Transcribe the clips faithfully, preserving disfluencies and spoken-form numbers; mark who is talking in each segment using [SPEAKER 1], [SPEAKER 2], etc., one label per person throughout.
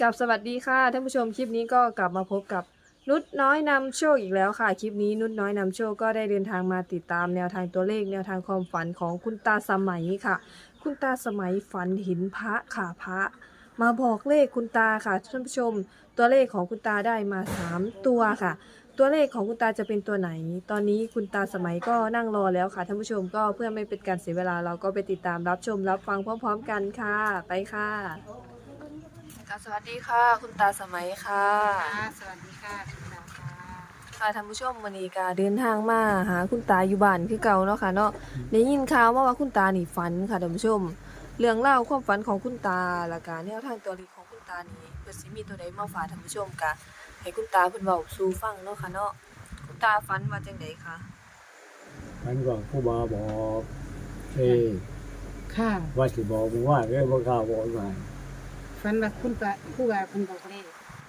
[SPEAKER 1] กับสวัสดีค่ะท่านผู้ชมคลิปนี้ก็กลับมาพบกับนุชน้อยนำโชคอีกแล้วค่ะคลิปนี้นุชน้อยนำโชคก็ได้เดินทางมาติดตามแนวทางตัวเลขแนวทางความฝันของคุณตาสมัยค่ะคุณตาสมัยฝันเห็นพระค่ะพระมาบอกเลขคุณตาค่ะท่านผู้ชมตัวเลขของคุณตาได้มาสามตัวค่ะตัวเลขของคุณตาจะเป็นตัวไหนตอนนี้คุณตาสมัยก็นั่งรอแล้วค่ะท่านผู้ชมก็เพื่อไม่เป็นการเสียเวลาเราก็ไปติดตามรับชมรับฟังพร้อมๆกันค่ะไปค่ะสวัสดีค่ะคุณตาสมัยค่ะ
[SPEAKER 2] ค่ะสวัสดีค่ะคุณดาวค่ะ
[SPEAKER 1] ค่ะท่านผู้ชมวันนี้ก็เดินทางมาหาคุณตาอยู่บ้านคือเก่าเนาะค่ะเนาะได้ยินข่าวมาว่าคุณตานี่ฝันค่ะท่านผู้ชมเรื่องเล่าวความฝันของคุณตาและการแนวทางตัวเลขของคุณตานี่เพิ่นสิมีตัวใดมาฝากท่านผู้ชมกะให้คุณตาเพิ่นเว้าสู่ฟังเนาะค่ะเนาะคุณตาฝันว่าจังไดคะ
[SPEAKER 3] มันก็ผู้บาบอกเอ้ย
[SPEAKER 2] ค่ะ
[SPEAKER 3] ว่าสิบอกมึงว่าเรื่องบ่กล้าบอกมา
[SPEAKER 2] ฟันว่าคุณปะผู้ว่าคุณบอกเลข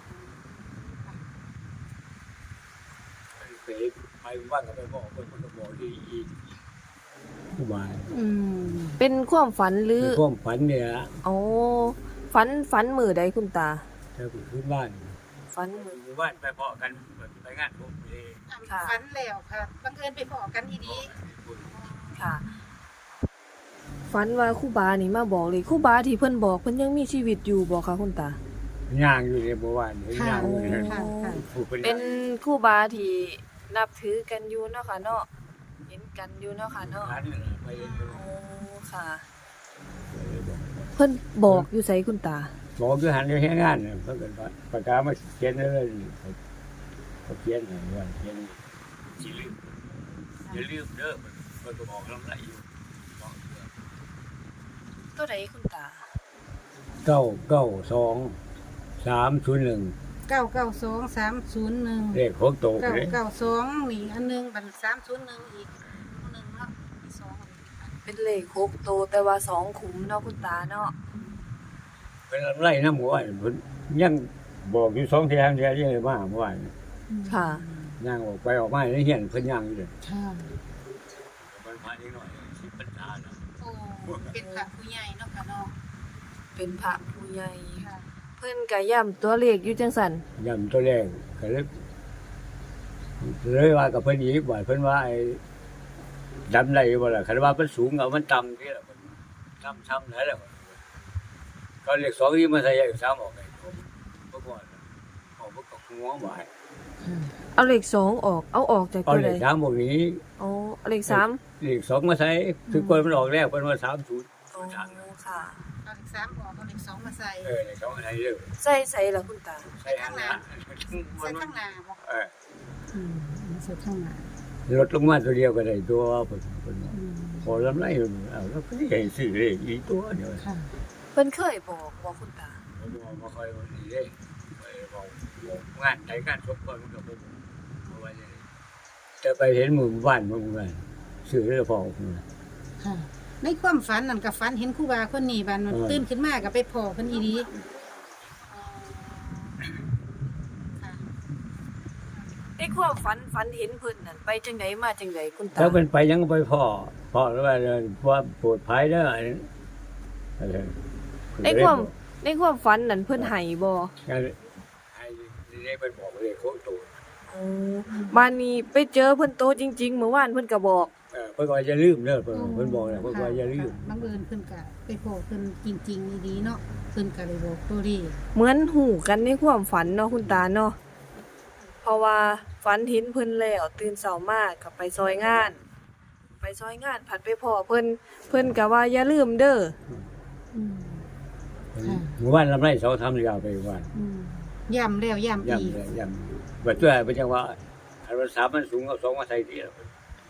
[SPEAKER 3] ไปไปบ้านก็ไปบอกคนมันก็บอกที่อีกผู้บา
[SPEAKER 2] อืม
[SPEAKER 1] เป็นความฝันหรือ
[SPEAKER 3] ในความฝันเนี่ยละ
[SPEAKER 1] อ๋อฝันฝันมื้อใดคุณตา
[SPEAKER 3] ถ้าไปขึ้นบ้าน
[SPEAKER 1] ฝันมื้อ
[SPEAKER 3] หมู่บ้านไปเพาะกันไปงานผมเอง
[SPEAKER 1] ค่ะ
[SPEAKER 2] ฟันแล้วค่ะบังเอิญไปพอกันทีดี
[SPEAKER 1] ค่ะฝันว่าครูบานี่มาบอกเลยครูบาที่เพิ่นบอกเพิ่นยังมีชีวิตอยู่บ่คะคุณตา
[SPEAKER 3] ย่างอยู่ในหมู่บ้านเห็น
[SPEAKER 2] ค่ะ
[SPEAKER 3] ย่างอยู่ใน
[SPEAKER 2] ค่ะค่ะ
[SPEAKER 3] ผู้เป็น
[SPEAKER 1] เป็นครูบาที่นับถือกันอยู่เนาะค่ะเนาะเห็นกันอยู่เนาะค่ะเนาะ
[SPEAKER 3] หันไปเห็น
[SPEAKER 1] โอ้ค่ะ เพิ่นบอกอยู่ไสคุณตา
[SPEAKER 3] บอกคือหันอยู่แค่งานเนี่ยเพิ่นก็ประกาศมาเขียนเลยเขาเขียนให้ว่าเขียนสิลืมอย่าลืมเด้อเพิ่นก็บอกลำไรอยู่บอก
[SPEAKER 1] ตัวใดคุณตา
[SPEAKER 3] เก้าเก้าสองสามศูนย์หนึ่ง
[SPEAKER 2] เก้าเก้าสองสามศูนย์หนึ่ง
[SPEAKER 3] เลขของโต
[SPEAKER 2] เก้า
[SPEAKER 3] เลย
[SPEAKER 2] เก้าสองนี่อันหนึงบันสามศูนย์หนึ่งอีกหนึ่งเนาะมีสอง
[SPEAKER 1] เป็นเลขหกโตวแต่ว่าสองขุมเนาะคุณตาเนาะ
[SPEAKER 3] เป็นไรน้ำหมู่บ้านเพิ่นยังบอกอยู่สองเที่ยงเที่ยยังไงมาเมื่อวาน
[SPEAKER 1] ค่ะ
[SPEAKER 3] ย่างออกไปออกมาในเฮียนเพิ่นย่างอยู่เลย
[SPEAKER 2] ค่ะ
[SPEAKER 3] มันมานิดหน่อยสิปัญญาเนาะ
[SPEAKER 2] โอ้เป็นพระผู้ใหญ่เนาะค่ะเนาะ
[SPEAKER 1] เป็นพระผู้ใหญ่
[SPEAKER 2] ค่ะ
[SPEAKER 1] เพิ่นก็ย้ำตัวเลขอยู่จังซั่น
[SPEAKER 3] ย่ำตัวแรกก็เลยเลยว่ากับเพิ่นอีกว่าเพิ่นว่าไอ้ดำได้บ่ล่ะคันว่ามันสูงเอามันต่ำที่ล่ะต่ำช้ำไหนล่ะก็เลขสองนี่มาใส่เลขสามออกไปผมบ่ก่อนออกบ่ก็หัวบ่ให้
[SPEAKER 1] เอาเลขสองออกเอาออกจาก
[SPEAKER 3] เอา
[SPEAKER 1] ตัว
[SPEAKER 3] เล
[SPEAKER 1] ใด
[SPEAKER 3] ขสามบอกนี้
[SPEAKER 1] อ๋อเอาเลขสาม
[SPEAKER 3] เลขสองมาใส่คือคนมันออกแล้วเป็นว่าสามศูนย์
[SPEAKER 1] อ๋อค่ะ
[SPEAKER 2] เอาเลขสามออกเอาเลขสองมาใส่
[SPEAKER 3] เออเลขสองอะไรเรื่อง
[SPEAKER 1] ใส่ใส่ละคุณตา
[SPEAKER 3] ใส่ข้างหน้า
[SPEAKER 2] ใส่ข้างหน้าบอก
[SPEAKER 3] เออ
[SPEAKER 2] อืมใส่ข้างหน้า
[SPEAKER 3] ลดลงมาตัวเดียวก็ได้ตัวเพิ่นเพิ่น
[SPEAKER 2] อืม
[SPEAKER 3] พอลำไรเอาแล้วก็สิให้ซื้อเลขอีกตัวเดียว
[SPEAKER 2] ค่ะ
[SPEAKER 1] เพิ่นเคยบอกว่าคุณตา
[SPEAKER 3] ผมบอกบ่ค่อยว่านี่เด้ไปบอกบอกงานใดงานศพก่อนมันก็บ่บ่ว่าอย่างนี้แต่ไปเห็นหมู่บ้านหมู่บ้านซื้อแล้วพอพุ่นน่ะ
[SPEAKER 2] ค่ะในความฝันนั่นกับฝันเห็นครูบาคนนี้บันมัน
[SPEAKER 3] เออ
[SPEAKER 2] ตื่นขึ้นมากับไปพอเพิ่นอีดีค่ะ
[SPEAKER 1] ไอ้ความฝันฝันเห็นเพิ่นนั่นไปจังไดมาจังไดคุณตา
[SPEAKER 3] แล้วเป็นไปยังไปพ่อพ่อแล้วว่าว่าปวดภัยเด้ออะไรอะไร
[SPEAKER 1] ในความในความฝันนั่นเพิ่นให้บ่
[SPEAKER 3] ให้ให้เป็นบอกเลยโคตรตัว
[SPEAKER 1] อ๋อบ้านนี้ไปเจอเพิ่นโตจริงๆเมื่อวานเพิ่นก็บอก
[SPEAKER 3] เออเพิ่นก็อย่าลืมเด้อเพิ่นเพิ่นบอกแล้วเพิ่นก็อย่าลืม
[SPEAKER 2] บังเอิญเพิ่นกะไปพอเพิ่นจริงๆอีดีเนาะเพิ่นกะเลยบอกตัวดี
[SPEAKER 1] เหมือนหูกันในความฝันเนาะคุณตาเนาะเพราะว่าฝันเห็นเพิ่นแล้วตื่นเช้ามาก็ไปซอยงาน ไปซอยงานผัดไปพ้อเพิ่นเพิ่นก็ว่าอย่าลืมเด้อ
[SPEAKER 2] อืม
[SPEAKER 3] หมู่บ้านลำไรเสาทำยาวไปบ้าน
[SPEAKER 2] อืมย่ำแล้วย่ำอีก
[SPEAKER 3] ย่ำย่ำบัดตัวเป็นจังว่าอันว่าสามมันสูงเอาสองมาใส่ที่แล้ว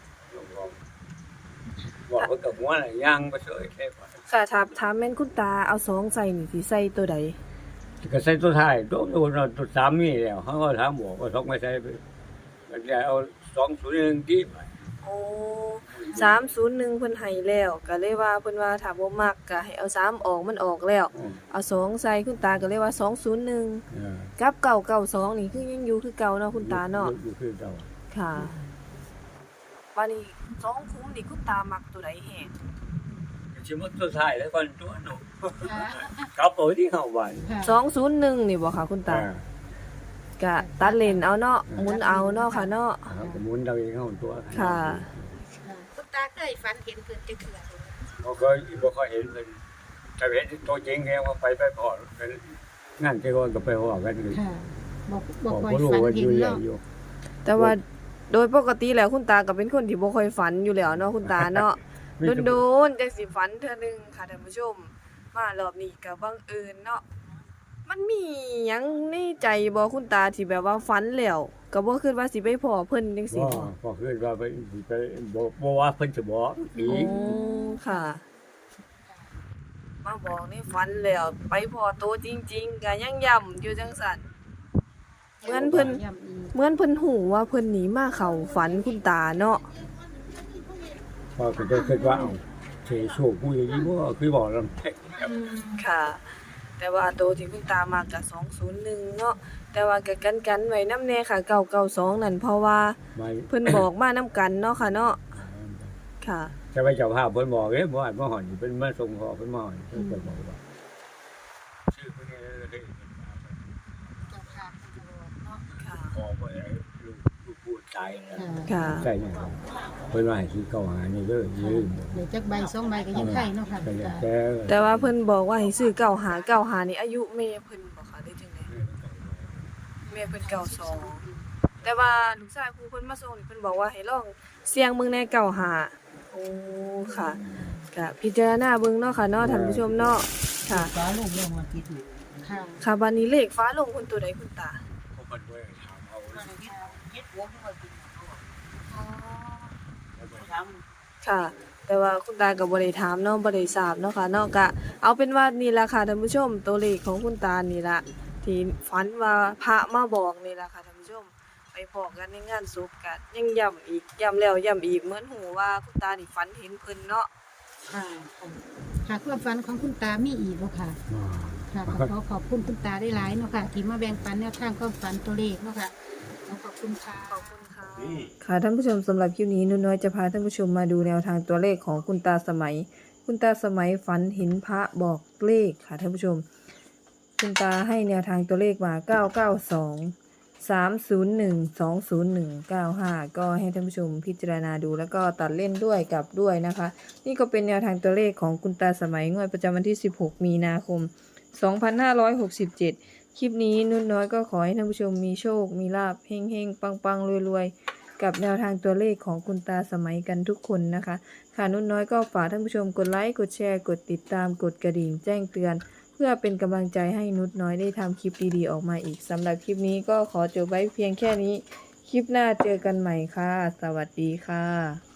[SPEAKER 3] บอกเพิ่นกับหัวน่ะย่างไปเฉยแค่ว่า
[SPEAKER 1] ค่ะถามถามแม่นคุณตาเอาสองใส่นี่สิใส่ตัวใด
[SPEAKER 3] ก็ใส่ตัวท้ายตัวตัวตัวสามนี่แล้วเขาก็ถามบอกว่าสองไม่ใส่ไปมันจะเอาสองศูนย์หนึ่งที่ไป
[SPEAKER 1] โอ้สามศูนย์หนึ่งเพิ่นให้แล้วก็เลยว่าเพิ่นว่าถ้าบ่มักก็ให้เอาสามออกมันออกแล้ว
[SPEAKER 3] อืม
[SPEAKER 1] เอาสองใส่คุณตาก็เลยว่าสองศูนย์หนึ่ง
[SPEAKER 3] เออ
[SPEAKER 1] กับเก้าเก้าสองนี่คือยังอยู่คือเก่าเนาะคุณตาเนาะ
[SPEAKER 3] อยู่คือเก่า
[SPEAKER 1] ค่ะวันนี้สองคุ้มนี่คุณตามักตัวใดแฮง
[SPEAKER 3] ชิมตัวท้ายแล้วก่อนตัวหนูไป
[SPEAKER 2] ค่ะ
[SPEAKER 3] กลับเอาที่เฮาบ้าน
[SPEAKER 2] ค่ะ
[SPEAKER 1] สองศูนย์หนึ่งนี่บ่ค่ะคุณตา
[SPEAKER 3] อ่าก
[SPEAKER 1] ะตัดเลนเอาเนาะหมุนเอาเนาะค่ะเนาะ
[SPEAKER 3] ครับก็หมุนเอาเองเฮาตัว
[SPEAKER 1] ค่ะ
[SPEAKER 2] ค่ะคุณตาเคยฝันเห็นเพิ่นจะเถื่อบ่
[SPEAKER 3] บ่เคยบ่ค่อยเห็นเพิ่นถ้าเห็นตัวจริงแกว่าไปไปพอกันงานที่ว่าก็ไปฮอดกันเลย
[SPEAKER 2] ค่ะบ่
[SPEAKER 3] บ
[SPEAKER 2] บ่
[SPEAKER 3] อก
[SPEAKER 2] ค่อย
[SPEAKER 3] บ่รู้
[SPEAKER 2] ฝัน
[SPEAKER 3] ว่าอ
[SPEAKER 2] เห็น
[SPEAKER 3] ยู่ใหญ่
[SPEAKER 2] เนาะ
[SPEAKER 3] อยู่
[SPEAKER 1] แต่ว่าโดยปกติแล้วคุณตาก็เป็นคนที่บ่ค่อยฝันอยู่แล้วเนาะคุณตาเนาะ
[SPEAKER 3] มีแต่
[SPEAKER 1] โดนๆจังสิฝันเทื่อหนึงค่ะท่านผู้ชม มารอบนี้ก็บังเอิญเนาะมันมีหยังในใจบ่คุณตาที่แบบว่าฝันแล้วก็บ่คิดว่าสิไปพ้อเพิ่นจังซี่
[SPEAKER 3] บ่
[SPEAKER 1] บ่
[SPEAKER 3] พอคืนว่าไปไปบ่บ่ว่าเพิ่นจะบอกอี
[SPEAKER 1] โอ้
[SPEAKER 3] ก
[SPEAKER 1] ค่ะ มาบอกในฝันแล้วไปพ้อโตจริงๆก็ยังย้ำอยู่จังซั่น เหมือนเพิ่น
[SPEAKER 2] ย้ำอีก
[SPEAKER 1] เหมือนเพิ่นหูว่าเพิ่นหนีมาเข้าฝันคุณตาเนาะ
[SPEAKER 3] พอก็จะคิดว่าเอ้าเทโชคกูอย่างนี้บ่คือบอกลำแท้
[SPEAKER 2] อืม
[SPEAKER 1] ค่ะ แต่ว่าโตวที่คุณตามากก็สองศูนย์หนึ่งเนาะแต่ว่าก็กันๆไว้นำแน่ค่ะเก้าเก้าสองนั่นเพราะว่า
[SPEAKER 3] ไม่
[SPEAKER 1] เพิ่นบอกมานํกันเนาะค่ะเนาะค่ะ
[SPEAKER 3] จะไปเจ้าภาพเพิ่นบอกเด้บ่อ่านบ่ฮอดเพิ่นมาส่งขอเพิ่นมาฮอดเพิ่นก็บอกว่าชื่อเพิ่นเนี่ยเฮ้ย
[SPEAKER 2] เจ้าค่ะเพิ่นก็บอกเนาะ
[SPEAKER 1] ค่ะ
[SPEAKER 3] ขอบ่ได้ลูกลูกพูดตายแล้ว
[SPEAKER 2] ค่ะ
[SPEAKER 1] ค่ะ
[SPEAKER 3] ใช่เนี่ยเพิ่นว่าให้ซื้อเก้าหานี่เด้ออย่าลืม
[SPEAKER 2] เดี๋ยวจักใบสองใบก็ยังไข่เนาะค่ะ
[SPEAKER 3] แต่
[SPEAKER 2] คุณตา
[SPEAKER 3] แต่
[SPEAKER 1] แต่ว่าเพิ่นบอกว่าให้ซื้อเก้าหาเก้าหานี่อายุแม่เพิ่นบ่ค่ะได้จังได๋แม่เพิ่นเก้าสองแต่ว่าลูกชายครูเพิ่นมาส่งนี่เพิ่นบอกว่าให้ลองเสี่ยงเบิ่งในเก้าหาโอ้ค่ะก็พิจารณาเบิ่งเนาะค่ะเนาะท่านผู้ชมเนาะค่ะ
[SPEAKER 2] ฟ้าลงลงมาติดค่ะ
[SPEAKER 1] ค่ะบัดนี้เลขฟ้าลงเพิ่นตัวใดคุณตา
[SPEAKER 3] เขาเพิ่นบ่ได้ถามเอา
[SPEAKER 2] เฮ็ดหัวขึ้นมาติด
[SPEAKER 1] ค่ะ แต่ว่าคุณตาก็บ่ได้ถามเนาะบ่ได้ทราบเนาะค่ะเนาะก็เอาเป็นว่านี่ล่ะค่ะท่านผู้ชมตัวเลขของคุณตานี่ล่ะที่ฝันว่าพระมาบอกนี่ล่ะค่ะท่านผู้ชม ไปพอกันในงานศพก็ยังย้ำอีกย้ำแล้วย้ำอีกเหมือนหูว่าคุณตานี่ฝันเห็นเพิ่นเนาะ
[SPEAKER 2] ค่ะค่ะความฝันของคุณตามีอีกบ่ค่ะ ค่ะขอขอขอบคุณคุณตาได้หลายเนาะค่ะ ที่มาแบ่งปันแนวทางความฝันตัวเลขเนาะค่ะขอขอบคุณค่ะ
[SPEAKER 1] ขอบคุณค่ะค่ะท่านผู้ชมสำหรับคลิปนี้นุ่นน้อยจะพาท่านผู้ชมมาดูแนวทางตัวเลขของคุณตาสมัย คุณตาสมัยฝันเห็นพระบอกเลขค่ะท่านผู้ชม คุณตาให้แนวทางตัวเลขมาเก้าเก้าสอง สามศูนย์หนึ่ง สองศูนย์หนึ่ง เก้าห้าก็ให้ท่านผู้ชมพิจารณาดูแล้วก็ตัดเล่นด้วยกลับด้วยนะคะ นี่ก็เป็นแนวทางตัวเลขของคุณตาสมัยงวดประจำวันที่สิบหกมีนาคมสองพันห้าร้อยหกสิบเจ็ดคลิปนี้นุ่นน้อยก็ขอให้ท่านผู้ชมมีโชค มีลาภเฮงเฮงปังปังรวยรวยๆ กับแนวทางตัวเลขของคุณตาสมัยกันทุกคนนะคะ ค่ะนุ่นน้อยก็ฝากท่านผู้ชมกดไลค์กดแชร์กดติดตามกดกระดิ่งแจ้งเตือน เพื่อเป็นกำลังใจให้นุชน้อยได้ทำคลิปดีๆออกมาอีกสำหรับคลิปนี้ก็ขอจบไว้เพียงแค่นี้ คลิปหน้าเจอกันใหม่ค่ะ สวัสดีค่ะ